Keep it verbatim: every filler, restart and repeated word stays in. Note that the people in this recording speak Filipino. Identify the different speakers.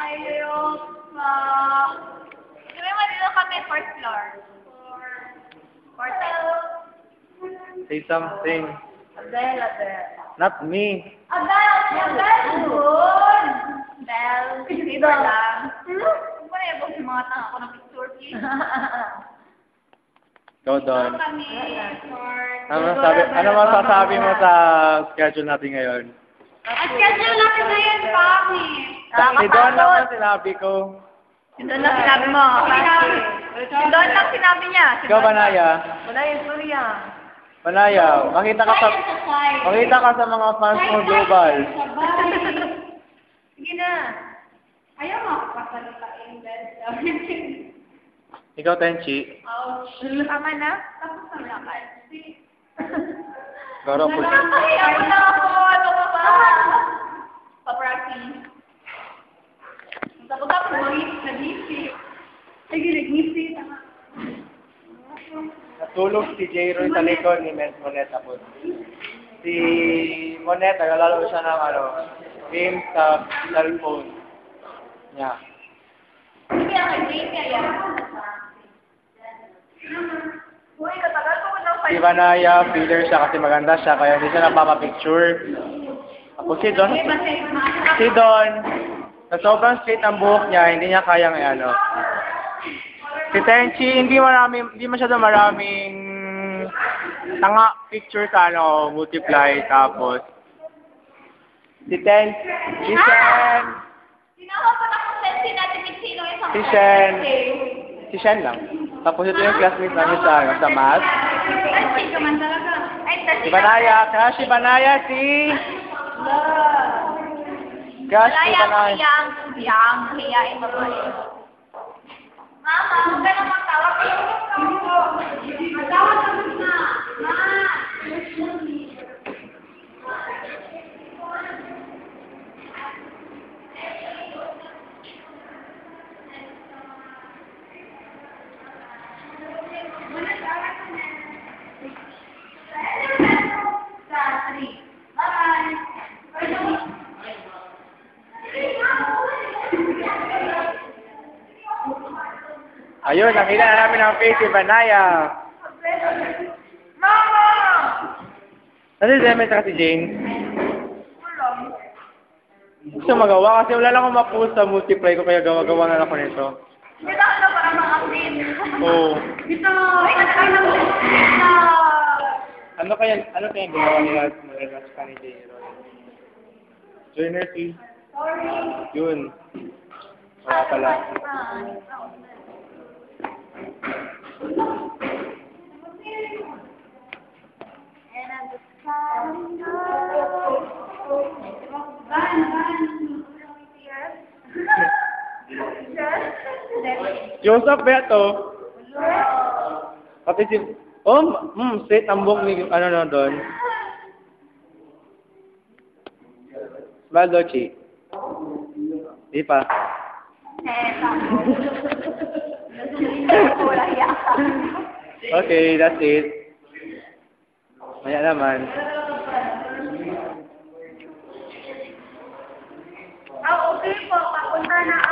Speaker 1: Ayok pa. Sabi mo dito kami fourth floor. Fourth floor.
Speaker 2: Say something.
Speaker 1: Adele, Adele.
Speaker 2: Not me.
Speaker 1: Adele! Adele! Good! Adele. Dito lang. Kung pa na yung mga tanga ko ng picture, please.
Speaker 2: Go doon.
Speaker 1: Dito kami for...
Speaker 2: Ano masasabi, ano masasabi mo sa schedule natin ngayon?
Speaker 1: At schedule natin ngayon, Pami.
Speaker 2: Si Don lang ang sinabi ko.
Speaker 1: Si Don lang sinabi mo. Si Don lang sinabi niya.
Speaker 2: Ikaw, Banaya.
Speaker 1: Wala yung Surya.
Speaker 2: Banaya, makita ka sa makita ka sa mga fans mo global.
Speaker 1: Sige na. Ayaw mo pasalita in bed.
Speaker 2: Ikaw, Tenchi.
Speaker 1: Ouch. Tama na? Tapos na lang kayo.
Speaker 2: Garo po.
Speaker 1: Nakakahiya ko na ako. Ano ka ba? Paprati. Tapos ako mag-isip na isip. Sige, nag-isip.
Speaker 2: Natulog si J. Roy sa likod ni Mens Monet tapos. Si Monet, naglalaro siya ng ano, game sa cellphone niya.
Speaker 1: Sige, ang game niya yan. Uy, katagal ko ko daw.
Speaker 2: Si Banaya, feeler siya kasi maganda siya, kaya hindi siya napapapicture. Ako si Don, si Don, sa sobrang straight ang buhok niya, hindi niya kayang ano. Si Tenchi, hindi marami, hindi masyado maraming tanga picture sa ano, multiply, tapos si Ten, si Shen,
Speaker 1: Sinawa pa na kung sensi natin ni Sino yung
Speaker 2: si Shen, si Shen lang. Tapos ito yung classmate namin sa, ano, sa math.
Speaker 1: Sensi ka man talaga. Ay,
Speaker 2: Si Banaya, kaya si Banaya, si... Kaya si
Speaker 1: Malaya,
Speaker 2: Banaya.
Speaker 1: kiyang, kiyang, kiyain babae. Mama, huwag ka na magtawag. Magtawag ka na. Ma!
Speaker 2: Ayun, nakita na namin ang face si Banaya.
Speaker 1: Mama!
Speaker 2: Ano si Demet at si Jane? Gusto magawa kasi wala lang akong ma-post sa multiply ko kaya gawa-gawa na lang ako nito.
Speaker 1: Hindi na ako para mga-update.
Speaker 2: Oo.
Speaker 1: Ito! Ay, natay na mo!
Speaker 2: Ano kaya, ano kaya ginawa nila nila sa ni Jane Roy? Joiner si...
Speaker 1: Sorry.
Speaker 2: Yun. Wala pala.
Speaker 1: And I'm just calling
Speaker 2: Joseph ba ito? Pati si... Oh, hmm, straight ang buhok ni... Ano na doon? Smile, Dochi. Di pa. Okay, that's it. Maya naman.
Speaker 1: Ah, okay po. Papunta na